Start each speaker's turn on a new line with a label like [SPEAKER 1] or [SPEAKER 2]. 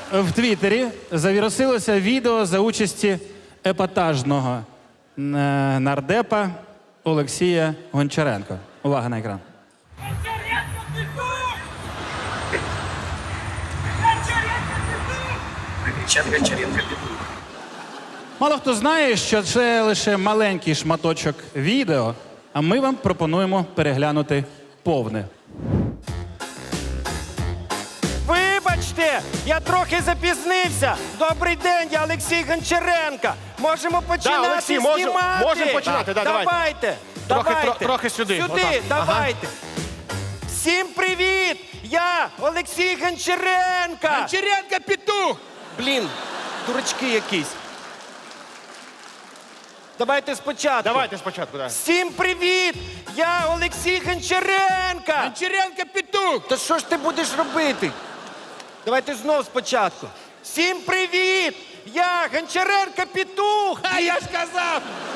[SPEAKER 1] в Твіттері завірусилося відео за участі епатажного нардепа Олексія Гончаренка. Увага на екран. Мало хто знає, що це лише маленький шматочок відео, а ми вам пропонуємо переглянути повне.
[SPEAKER 2] Вибачте, я трохи запізнився. Добрий день, я Олексій Гончаренко. Можемо починати
[SPEAKER 3] Олексій,
[SPEAKER 2] знімати.
[SPEAKER 3] можемо починати, да,
[SPEAKER 2] давайте.
[SPEAKER 3] Трохи сюди.
[SPEAKER 2] Сюди,
[SPEAKER 3] Отак.
[SPEAKER 2] давайте. Всім привіт! Я Олексій Гончаренко.
[SPEAKER 3] Гончаренко петух!
[SPEAKER 2] Блін, дурачки якісь. Давайте спочатку.
[SPEAKER 3] Давайте спочатку, да.
[SPEAKER 2] Всім привіт! Я Олексій Гончаренко.
[SPEAKER 3] Гончаренко петух!
[SPEAKER 2] Та що ж ти будеш робити? Давайте знов спочатку. Всім привіт! Я Гончаренко Петух!
[SPEAKER 3] А я ж казав!